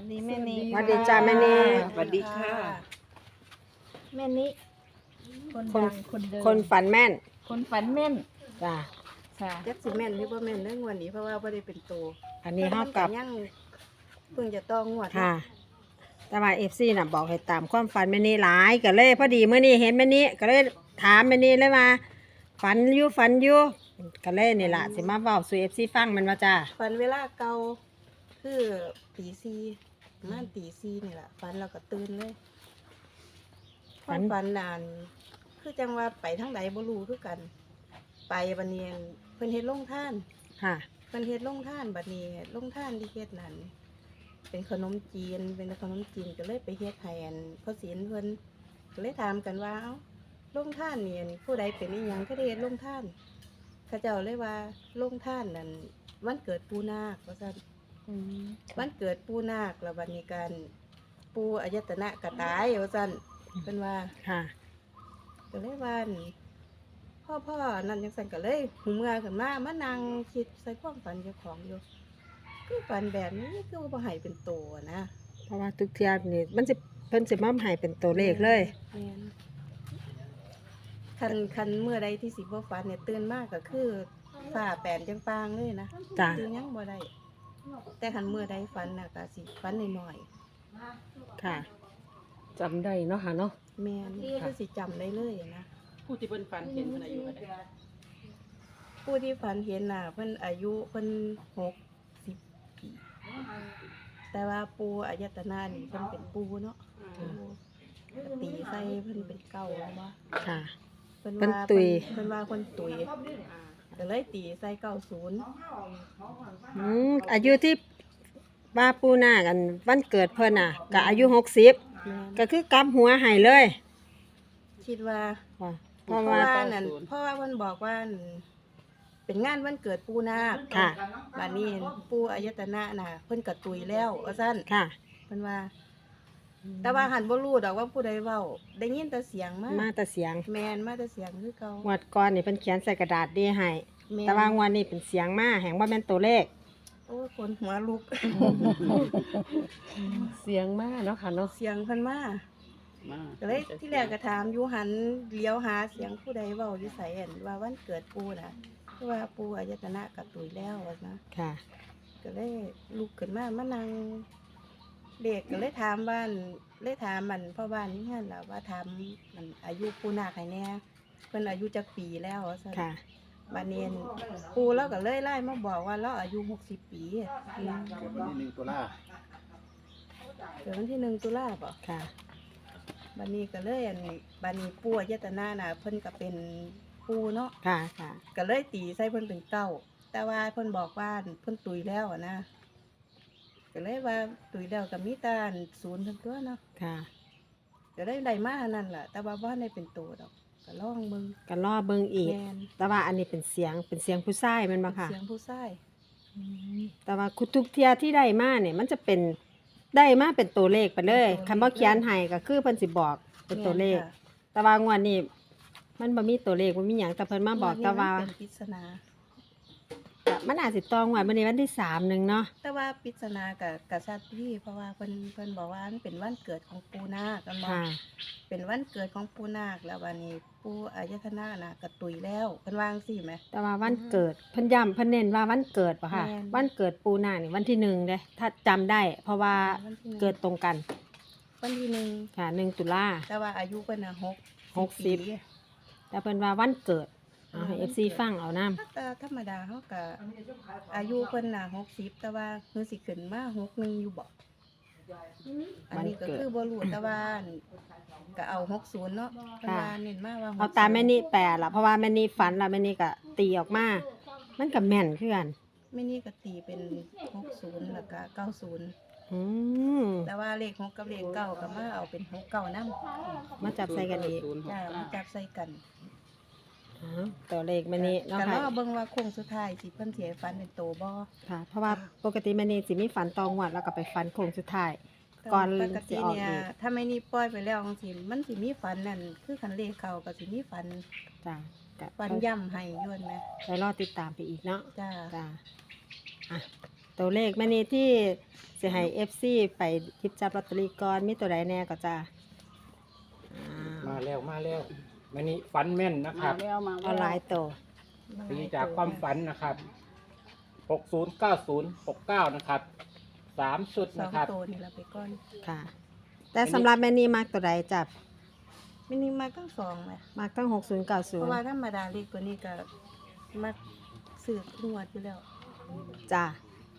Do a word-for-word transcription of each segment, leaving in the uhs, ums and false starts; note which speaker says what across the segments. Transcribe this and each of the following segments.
Speaker 1: สดีแม่นี่
Speaker 2: สวัสดีจ้าแม่นี่
Speaker 3: สวัสดีค่ะ
Speaker 1: แม่นี่คน
Speaker 2: คน
Speaker 1: ดังคนเดิม
Speaker 2: คนฝันแม่น
Speaker 1: คนฝันแม่น
Speaker 2: จ้า
Speaker 1: ค่ะ
Speaker 3: จักสิแม่นหรือบ่แม่นเรื่องวันนี้เพราะว่าบ่ได้เป็นโต
Speaker 2: อันนี้เฮากับ
Speaker 3: ยังเพิ่งจะต้องงวด
Speaker 2: ค่ะ แต่ว่าเอฟซีน่ะบอกให้ตามความฝันแม่นี่หลายก็เลยพอดีเมื่อนี้เห็นแม่นี่ก็เลยถามแม่นี่เลยว่าฝันอยู่ฝันอยู่ก็เลยนี่ล่ะสิมาเว้าสู่เอฟซีฟังแมันว่าจ้า
Speaker 3: ฝันเวลาเก่าคือตีสี่ประมาณตีสี่นี่ล่ะฝันเราก็ตื่นเลยฝันฝันนานคือจังว่าไปทางใดบ่รู้คือกัน ไปบัดนี้เพิ่นเฮ็ดโรงทาน
Speaker 2: ค่ะ
Speaker 3: เพิ่นเฮ็ดโรงทานบัดนี้โรงทานที่เฮ็ดนั่นเป็นขนมจีนเป็นขนมจีนก็เลยไปเฮ็ดให้อันพ่อศีลเพิ่นก็เลยถามกันว่าเอ้าโรงทานนี่อันผู้ใดเป็นอีหยังก็ได้เฮ็ดโรงทานเขาเจ้าเลยว่าโรงทานนั่นวันเกิดปู่นาคว่าซั่น
Speaker 1: อืม
Speaker 3: วันเกิดปู่นาคแล้วบัดนี้การปู่อายตนะก็ตายว่าซั่นเพิ่นว่า
Speaker 2: ค่ะ
Speaker 3: ก็เลยว่าอั่นพ่อพ่อนั่นจังซั่นก็เลยหูเมื่อขึ้นมามานั่งคิดใส่ความฝันเจ้าของอยู่คือฝันแบบนี้คือบ่ให้เป็นโตนะ
Speaker 2: เพราะว่าทุกเที่ยนี่มันสิเพิ่นสิมาให้เป็นตัวเลขเลย
Speaker 3: แม่นคันคันเมื่อใดที่สิบ่ฝันเนี่ยตื่นมากก็คือฟ้าแปนจังปางเลยนะ
Speaker 2: จ้า
Speaker 3: ตื่นยังบ่ได้แต่คันเมื่อใดฝันน่ะก็สิฝันน้อย
Speaker 2: ค่ะ
Speaker 4: จำได้เนาะค่ะเนาะ
Speaker 3: ๆแม่นคือสิจำได้เลยนะ
Speaker 4: ผู้ที่เพิ่นฝันเห็นเพิ่นอายุเท่าใด
Speaker 3: ผู้ที่ฝันเห็นน่ะเพิ่นอายุเพิ่นหกสิบปีแต่ว่าปูอายตนะนี่เพิ่นเป็นปูเนาะปูตีใส่เพิ่นเป็นเก้าว่า
Speaker 2: ค่ะ
Speaker 3: เพิ่น
Speaker 2: เพิ่น
Speaker 3: ว่า
Speaker 2: ตุย
Speaker 3: เพิ่นว่าเพิ่นตุยก็เลยตีใส่เก้าศูนย์
Speaker 2: อืมอายุที่ว่าปูนากันวันเกิดเพิ่นน่ะก็อายุหกสิบ
Speaker 3: แม่น
Speaker 2: ก็คือกำหัวให้เลย
Speaker 3: คิดว่า
Speaker 2: ว่าเพ
Speaker 3: เพ
Speaker 2: ราะ
Speaker 3: ราะ
Speaker 2: ว่า
Speaker 3: ว่านั่นเพราะว่าเพิ่นบอกว่านั่นเป็นงานวันเกิดปูนาค
Speaker 2: ค่ะ
Speaker 3: บัดนี้ปูอายตนะน่ะเพิ่นก็ตุยแล้วว่าซั่น
Speaker 2: ค่ะ
Speaker 3: เพิ่นว่า แต่ว่าหันบ่รู้ดอกว่าผู้ใดเว้าได้ยินแต่เสียงมา
Speaker 2: มาแต่เสียง
Speaker 3: แม่นมาแต่เสียงคือเก่าง
Speaker 2: วดก่อนนี่เพิ่นเขียนใส่กระดาษดีให้
Speaker 3: แม่น
Speaker 2: แต่ว่างวดนี้เป็นเสียงมาแห่งว่าแม่นตัวเลข
Speaker 3: โอ้ยคนหัวลุก
Speaker 4: เสียงมากเนาะค่ะเนาะ
Speaker 3: เสียงเพิ่นมาก็เลยที่แรกก็ถามอยู่หันเลี้ยวหาเสียงผู้ใดเว้าอยู่ไสอั่นว่าวันเกิดปู่น่ะคือว่าปู่อายตนะกับตุยแล้วว่านะ
Speaker 2: ค่ะ
Speaker 3: ก็เลยลุกขึ้นมามานั่งเด็กก็เลยถามบ้านเลยถามมันพ่อบ้านนี่หั่นล่ะว่าถามมันอายุปู่นาคให้แน่เพิ่นอายุจักปีแล้วว่าซั่น
Speaker 2: ค่ะ
Speaker 3: บานเนียนปู่เราก็เลยไล่มาบอกว่าเราอายุหกสิบปีอืม
Speaker 5: เกิดวันที่หนึ่งตุลา
Speaker 3: เกิดวันที่หนึ่งตุลาป่ะ
Speaker 2: ค่ะ
Speaker 3: บานนี้ก็เลยอันบานนี้ปู่อายตนะน่ะเพิ่นก็เป็นปู่เนาะ
Speaker 2: ค่ะ ค่ะ
Speaker 3: ก็เลยตีใส่เพิ่นเป็นเก้าแต่ว่าเพิ่นบอกว่าเพิ่นตุยแล้วอะนะก็เลยว่าตุยแล้วก็มีแตาศูนย์ทั้งตัวเนาะ
Speaker 2: ค่ะ
Speaker 3: ก็เลยได้มาอันนั่นล่ะแต่ว่าบ่ได้เป็นตัวดอกก็ลองเบิ่ง
Speaker 2: ก็รอเบิ่งอีก
Speaker 3: แม่น
Speaker 2: แต่ว่าอันนี้เป็นเสียง เป็นเสียงผู้ชายแมันบ่ค่ะ
Speaker 3: เสียงผู้ชาย
Speaker 2: แต่ว่าทุกเที่ยที่ได้มาเนี่ยมันจะเป็นได้มาเป็นตัวเลขไปเลยคำว่าเขียนให้ก็คือเพิ่นสิบอกเป็นตัวเลข
Speaker 3: แม่นค่ะ
Speaker 2: แต่ว่างวดนี้มันบ่มีตัวเลขบ่มีหยังแต่เพิ่นมาบอกแต่ว่า
Speaker 3: นนี้มันเป็นปริศนา
Speaker 2: ก็มันอาจสิตองงวดมื้อนี้วันที่สามหนึงเนาะ
Speaker 3: แต่ว่าปริศนากับกับชาติพี่เพราะว่าเพิ่นเพิ่นบอกว่ามันเป็นวันเกิดของปูนาคกันบอก
Speaker 2: ค่ะ
Speaker 3: เป็นวันเกิดของปูนาคแล้ววันนี้ปูอายตนะน่ะกระตุยแล้วเพิ่นวาจั่งสิไหม
Speaker 2: แต่ว่าวันเกิดเพิ่นย้ำเพิ่นเน้นว่าวันเกิดป่ะค่ะ
Speaker 3: แม่น
Speaker 2: วันเกิดปูนานี่วันที่หนึ่งเด้ถ้าจำได้ เพราะว่า
Speaker 3: วันที่หนึ่ง
Speaker 2: เกิดตรงกัน
Speaker 3: วันที่หนึ่ง
Speaker 2: ค่ะหนึ่งตุลา
Speaker 3: แต่ว่าอายุเพิ่นน่ะหก
Speaker 2: หกสิบ
Speaker 3: ปี
Speaker 2: แต่เพิ่นว่าวันเกิดเอาให้ เอฟ ซี ฟังเอานำ
Speaker 3: แต่ธรรมดาเขาก็อายุเพิ่นน่ะหกสิบแต่ว่าเพิ่นสิขึ้นมาหกหนึ่งอยู่บ่อันนี้ก็คือบ่รู้แต่ว่าก็เอาหกศูนย์เนาะเพิ่นว่าเน้นมาว่าหกสิบ
Speaker 2: เอาตามแม่นี่แปลล่ะเพราะว่าแม่นี่ฝันแล้วแม่นี่ก็ตีออกมา มันก็แม่นคือกัน
Speaker 3: แม่นี่ก็ตีเป็นหกศูนย์แล้วก็เก้าศูนย์
Speaker 2: อืม
Speaker 3: แต่ว่าเลขหกกับเลขเก้าก็มาเอาเป็นหกเก้านำ
Speaker 2: มาจับใส่กันอีก
Speaker 3: จ้ามาจับใส่กัน
Speaker 2: อ๋อตัวเลขแม่นี่เนาะ
Speaker 3: แต่
Speaker 2: ค่ะ
Speaker 3: ว่าเบิ่งว่าโค้งสุดท้ายสิเพิ่นสิให้ฟันเป็นโตบ่
Speaker 2: ค่ะ เพราะว่าปกติแม่นี่สิมีฝันตองงวดแล้วก็ไปฝันโค้งสุดท้าย ก่อน
Speaker 3: ปกติ
Speaker 2: สิออก
Speaker 3: เนี่ย
Speaker 2: อีก
Speaker 3: ถ้าไม่นี่ปล่อยไปแล้วจังซี่มันสิมีฟันนั่นคือคันเลขเข้าก็สิมีฟัน
Speaker 2: จ้ะก็
Speaker 3: ฟันย่ำให้ย้วนแหม
Speaker 2: ไปรอติดตามไปอีกเนาะ
Speaker 3: จ้า
Speaker 2: จ้ะอ่ะตัวเลขแม่นี้ที่สิให้ เอฟ ซี ไปหยิบจับลอตเตอรี่ก่อนมีตัวใดแน่ก็จ้าอ่า
Speaker 5: มาแล้วมาแล้วแม่นี้ฝันแม่นนะครับ
Speaker 2: เอาหลายตัว
Speaker 5: ตีจากความฝันนะครับหกศูนย์เก้าศูนย์หกเก้านะครับสามชุด
Speaker 3: สอ
Speaker 5: นะ
Speaker 3: ง
Speaker 5: ครับ
Speaker 3: ตัวนี่ละไปก่อน
Speaker 2: ค่ะ แต่สำหรับแม่นี้มักตัวใดจับ
Speaker 3: มินิมาทั้งสองเลย
Speaker 2: มักตั้งหกศูนย์เก้าศู
Speaker 3: เพ
Speaker 2: น
Speaker 3: ราะ
Speaker 2: ย์
Speaker 3: ว่าธรรมดาเลขตัวนี้ก็มักสืบงวดอยู่แล้ว
Speaker 2: จ้า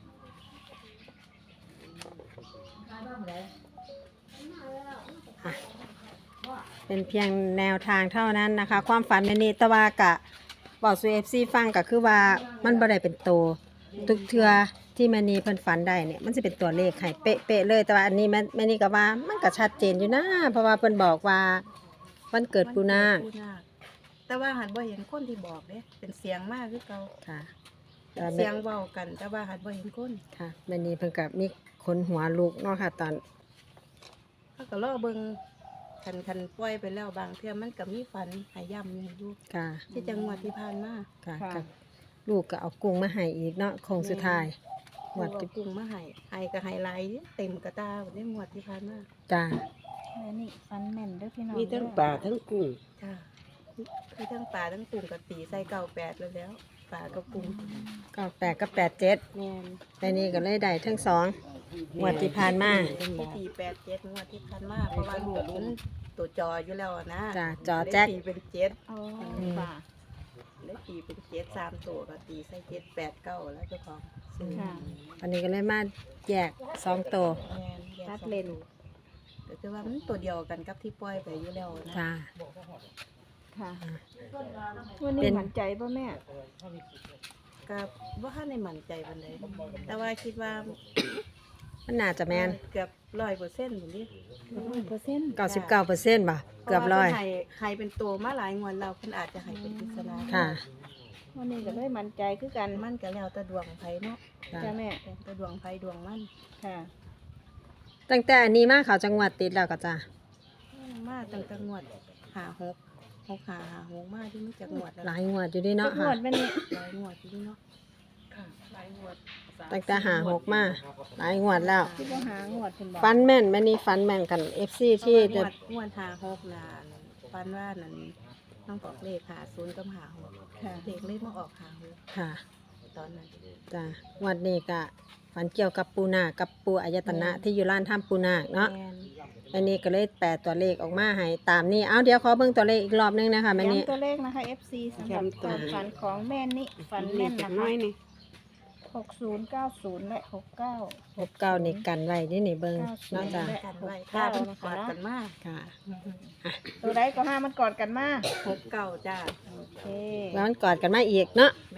Speaker 2: อ่ะเป็นเพียงแนวทางเท่านั้นนะคะ ความฝันแม่นี้แตะวากะบอกสู่เอฟซีฟังก็คือว่ามันบ่ได้เป็นโตวทุกเทือที่แม่นี้เพิ่นฝันได้เนี่ยมันจะเป็นตัวเลขให้เป๊ะๆเลย แต่ว่าอันนี้แม่แม่นี้ก็ว่ามันก็ชัดเจนอยู่นะเพราะว่าเพิ่นบอกว่าวันเกิดปูนาค
Speaker 3: ปูนาคแต่ว่าหันบ่เห็นคนที่บอกเด้เป็นเสียงมากคือเก่า
Speaker 2: ค่ะ
Speaker 3: เป็นเสียงเว้ากัน แต่ว่าหันบ่เห็นคน
Speaker 2: ค่ะแม่นี้เพิ่นก็มีคนหัวลุกเนาะค่ะตอน
Speaker 3: เขาก็รอเบิ่งคันคันปล่อยไปแล้วบางเทื่อมันก็มีฝันหายย่ำอยู่อยู่
Speaker 2: ค่ะ
Speaker 3: ที่จังหวัดที่ผ่านมา
Speaker 2: ค่ะ
Speaker 1: ค่ะ
Speaker 2: กับลูกก็เอากุ้งมาให้อีกเนาะโคงสุดท้ายห
Speaker 3: ห
Speaker 2: ว
Speaker 3: ว
Speaker 2: ด
Speaker 3: ด
Speaker 2: ที่
Speaker 3: กุ้งมาให้ให้ก็ให้หลายเต็มกระตาได้หมวดที่ผ่านมา
Speaker 2: จ้า
Speaker 1: แม่นี่ฟันแม่นเด้อพี่น้อง
Speaker 4: มีทั้ง
Speaker 1: เด้อ
Speaker 4: ปลาทั้งกุ้ง
Speaker 3: จ้าคือทั้งปลาทั้งกุ้งกับตีใส่เก่าแปดแล้วแล้วปลากับกุ้ง
Speaker 2: ก็แปดก็แปดเจ็ด
Speaker 3: แม่น
Speaker 2: แม่นี้ก็เลยได้ทั้งสองหวดที่ผ่านมา
Speaker 3: ที่ตีแปดเจ็ดงวดที่ผ่านมาเพราะว่าลูกมันตัวจออยู่แล้วอะนะ
Speaker 2: จ้าจอแจ็ค
Speaker 3: ได้ตีเป็นเจ็ด
Speaker 1: อ๋อ
Speaker 2: อืม
Speaker 1: ค่ะ
Speaker 3: ได้ตีเป็นเจ็ดสามตัวก็ตีใส่เจ็ดแปดเก้าแล้วเจ้าของซื้อ
Speaker 1: ค่ะ
Speaker 2: อันนี้ก็เลยมาแยกสองตัว
Speaker 3: แม่นแยก
Speaker 1: ตัด
Speaker 3: สอง
Speaker 1: เลน
Speaker 3: ตัวก็คือว่ามันตัวเดียวกันกับที่ปล่อยไปอยู่แล้วนะ
Speaker 2: จ้า
Speaker 1: ค่ะวันนี้
Speaker 2: เป็น
Speaker 1: มั่นใจป่ะแม่
Speaker 3: ก็ว่าถ้าในมั่นใจปันใดแต่ว่าคิดว่า
Speaker 2: มันน่าจะแมน
Speaker 3: เกือบร้อยเปอร์เซ็นต์หมดดิ
Speaker 1: ร้อยเปอร์เซ็นต์
Speaker 2: เก้าสิบเก้าเปอร์เซ็นต์ป่ะเกือบร้อย
Speaker 3: ให้ให้เป็นตัวมาหลายงวดเราเพิ่นอาจจะให้เป็นปริศนา
Speaker 2: ค่ะ
Speaker 1: วันนี้ก็เลยมั่นใจคือกัน
Speaker 3: มันก็แล้วแต่ดวงไผเนาะ
Speaker 2: จ้า
Speaker 1: จ้าแม่
Speaker 3: แล้วแต่ดวงไผดวงมัน
Speaker 1: ค่ะ
Speaker 2: ตั้งแต่อันนี้มาเขาจังหวัดติดแล้วก็จ้า
Speaker 3: มาตั้งแต่งวดหาหกหกหาหาหกมาที่มีจักงวดแล้ว
Speaker 2: หลายงวดอยู่ดีเนาะ
Speaker 1: ง
Speaker 2: ค่ะ
Speaker 1: วดแม่นี่
Speaker 3: หลายงวดที่นี่เนาะ
Speaker 4: ค่ะหลายงวดสาม
Speaker 2: ตั้งแต่หาหกมาหลายงวดแล้ว
Speaker 1: ที่บ่หางวดเพิ่นบอก
Speaker 2: ฟันแม่นแม่นี้ฟันแม่นกันเอฟซีที่
Speaker 3: เพราะ
Speaker 2: จะ
Speaker 3: ว่างวดงวดหาหกน่ะฟันว่านั่นน้องบอกเลขหาศูนย์กับหาหก
Speaker 1: ค่ะ
Speaker 3: เลขเลขมาออกหาหก
Speaker 2: ค่ะ
Speaker 3: ตอนนั้น
Speaker 2: จ้ะงวันนี้ก็ฝันเกี่ยวกับปูนาคกับปูอายตนะที่อยู่ร้านถ้ำปูนาคเนาะ
Speaker 3: แม่น
Speaker 2: อันนี้ก็เลยแปดตัวเลขออกมาให้ตามนี้เอาเดี๋ยวขอเบิ่งตัวเลขอีกรอบนึงนะคะแม่นี้
Speaker 1: ย้ำตัวเลขนะคะ เอฟ ซี สำหรับความฝันของแม่นี่ฝันแม่นนะคะ หกศูนย์เก้าศูนย์และหกเก้า
Speaker 2: หกเก้านี่กันไว้นี่นี่เบิ่งเนาะจ้ะ
Speaker 3: กันไว้ถ้ามันกอดกันมาก
Speaker 2: ค่ะ
Speaker 1: ตัวใดก็ห้ามันกอดกันมา
Speaker 3: หกเก้าจ้า
Speaker 1: โอเค
Speaker 2: แล้วมันกอดกันมาอีกเนาะ